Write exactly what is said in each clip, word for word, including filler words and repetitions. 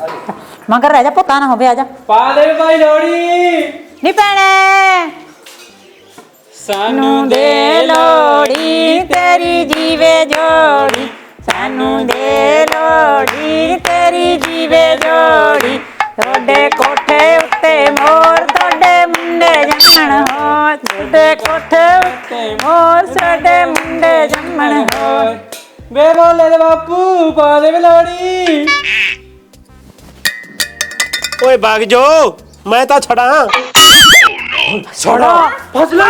मगर रह जा पुता ना होवे आजा पा दे भाई लोड़ी नी भैणे सानू दे लोड़ी तेरी जीवे जोड़ी सानू दे लोड़ी तेरी जीवे जोड़ी तोड़े कोठे उत्ते मोर तोड़े मुंडे जम्मण हो तोड़े कोठे उत्ते मोर तोड़े मुंडे जम्मण हो बे बोले दे बापू पा दे लोड़ी ओए भाग जो मैं तो छड़ा छड़ा फसला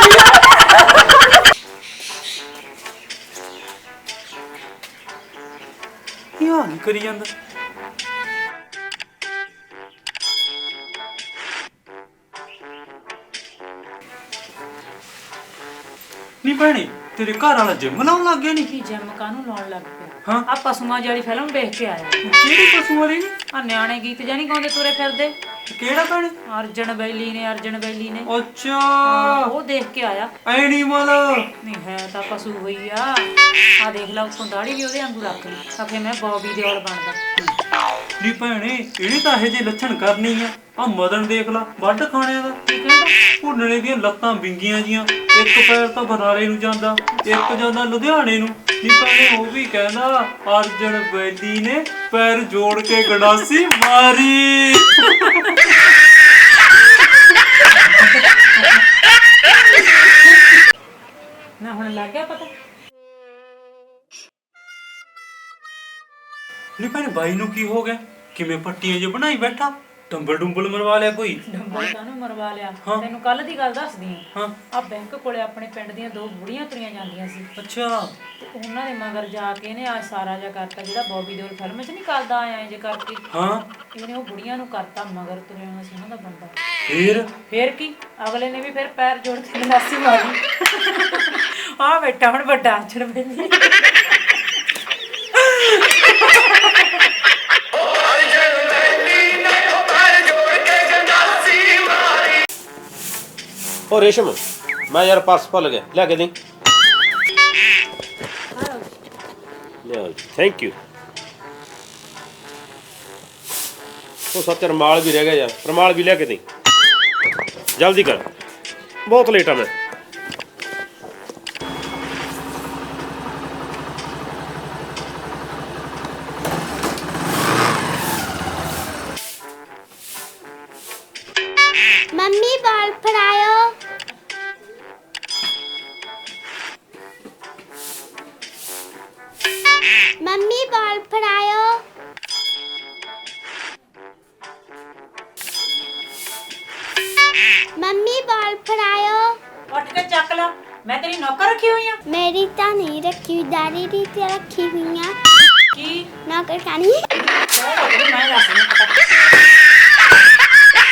क्या करी ਜਾਂਦਾ ਨੀ ਭੈਣੇ ਤੇਰੇ ਘਰ ਵਾਲਾ ਜਿਮ ਲਾਉਣ ਲੱਗ ਗਿਆ ਨੀ ਕੀ ਜਿਮ ਕਾਨੂੰ ਲਾਉਣ ਲੱਗ ਪਿਆ ਹਾਂ ਆ ਪਸ਼ੂਆਂ ਵਾਲੀ ਫਿਲਮ ਦੇਖ ਕੇ ਆਇਆ ਕਿਹੜੀ ਪਸ਼ੂ ਵਾਲੀ ਆ ਨਿਆਣੇ ਗੀਤ ਜਾਨੀ ਗਾਉਂਦੇ ਤੁਰੇ ਫਿਰਦੇ ਕਿਹੜਾ ਭੈਣੇ ਅਰਜਨ ਬੈਲੀ ਨੇ ਅਰਜਨ ਬੈਲੀ ਨੇ ਅੱਛਾ ਉਹ ਦੇਖ ਕੇ ਆਇਆ ਐਨੀਮਲ ਨਹੀਂ ਹੈ ਤਾਂ ਪਸ਼ੂ ਹੋਈ ਆ ਆ ਦੇਖ ਲਾ ਉਸੋਂ ਦਾੜੀ ਵੀ ਉਹਦੇ ਵਾਂਗੂ ਰੱਖ ਲਈ ਆਖੇ ਮੈਂ ਬੌਬੀ ਦਿਓਲ ਬਣਦਾ ਨੀ ਭੈਣੇ ਇਹਨੇ ਤਾਂ ਇਹ ਜੇ ਲੱਛਣ ਕਰਨੀ ਆ ਆ ਮਦਨ ਦੇਖ ਲਾ ਵੱਢ ਖਾਣਿਆਂ ਦਾ ਭੁੰਨਣੇ ਦੀਆਂ ਲੱਤਾਂ ਵਿੰਗੀਆਂ ਜੀਆਂ ਇੱਕ ਪੈਰ ਤਾਂ ਬਰਾਲੇ ਨੂੰ ਜਾਂਦਾ ਇੱਕ ਜਾਂਦਾ ਲੁਧਿਆਣੇ ਨੂੰ ਨੀ ਭੈਣੇ ਉਹ ਵੀ ਕਹਿੰਦਾ ਅਰਜਨ ਬੈਲੀ ਨੇ ਪੈਰ ਜੋੜ ਕੇ ਗੰਡਾਸੀ ਮਾਰੀ ਨਾ ਹੁਣ ਲੱਗ ਗਿਆ ਪਤਾ ਨੀ ਭੈਣੇ ਬਾਈ ਨੂੰ ਕੀ ਹੋ ਗਿਆ ਕਿਵੇਂ ਪੱਟੀਆਂ ਜੇ ਬਣਾਈ ਬੈਠਾ ਟੰਬਲ ਡੁੰਬਲ ਮਰਵਾ ਲਿਆ ਕੋਈ ਡੰਬਲ ਕਾਨੂੰ ਮਰਵਾ ਲਿਆ ਹਾਂ। ਤੈਨੂੰ ਕੱਲ ਦੀ ਗੱਲ ਦੱਸਦੀ ਆ ਹਾਂ ਆ ਬੈਂਕ ਕੋਲੇ ਆਪਣੇ ਪਿੰਡ ਦੀਆਂ ਦੋ ਬੁੜੀਆਂ ਤੁਰੀਆਂ ਜਾਂਦੀਆਂ ਸੀ ਅੱਛਾ ਤੇ ਉਹਨਾਂ ਦੇ ਮਗਰ ਜਾ ਕੇ ਇਹਨੇ ਆ ਸਾਰਾ ਜਿਹਾ ਕਰਤਾ ਜਿਹੜਾ ਬੌਬੀ ਦਿਓਲ ਫਿਲਮ 'ਚ ਨਹੀਂ ਕਰਦਾ ਆਇਆ ਜੇ ਕਰਕੇ ਹਾਂ ਇਹਨੇ ਉਹ ਬੁੜੀਆਂ ਨੂੰ ਕਰਤਾ ਮਗਰ ਤੁਰਿਆ ਹੋਇਆ ਸੀ ਉਹਨਾਂ ਦਾ ਬੰਦਾ ਫੇਰ ਫੇਰ ਕੀ ਅਗਲੇ ਨੇ ਵੀ ਫਿਰ ਪੈਰ ਜੋੜ ਕੇ ਗੰਡਾਸੀ ਮਾਰੀ ਆ ਬੈਠਾ ਹੁਣ ਵੱਡਾ ਅਰਜਨ ਬੈਲੀ ओ रेशम मैं यार पर्स भुल गया लिया के दी थैंक यू तो सच रमाल भी रह गया यार रमाल भी लिया के दी जल्दी कर बहुत लेट है मैं मम्मी बॉल फड़ायो मम्मी बॉल फड़ायो मम्मी बॉल फड़ायो ਉੱਠ ਕੇ ਚੱਕ ਲਾ ਮੈਂ ਤੇਰੀ ਨੌਕਰ ਰੱਖੀ ਹੋਈ ਆ मेरी तो नहीं रखी हुई दादी रीति रखी हुई है ਕੀ नौकर खानी ਉਹ ਮੈਂ ਦੱਸ ਨਹੀਂ ਪਤਾ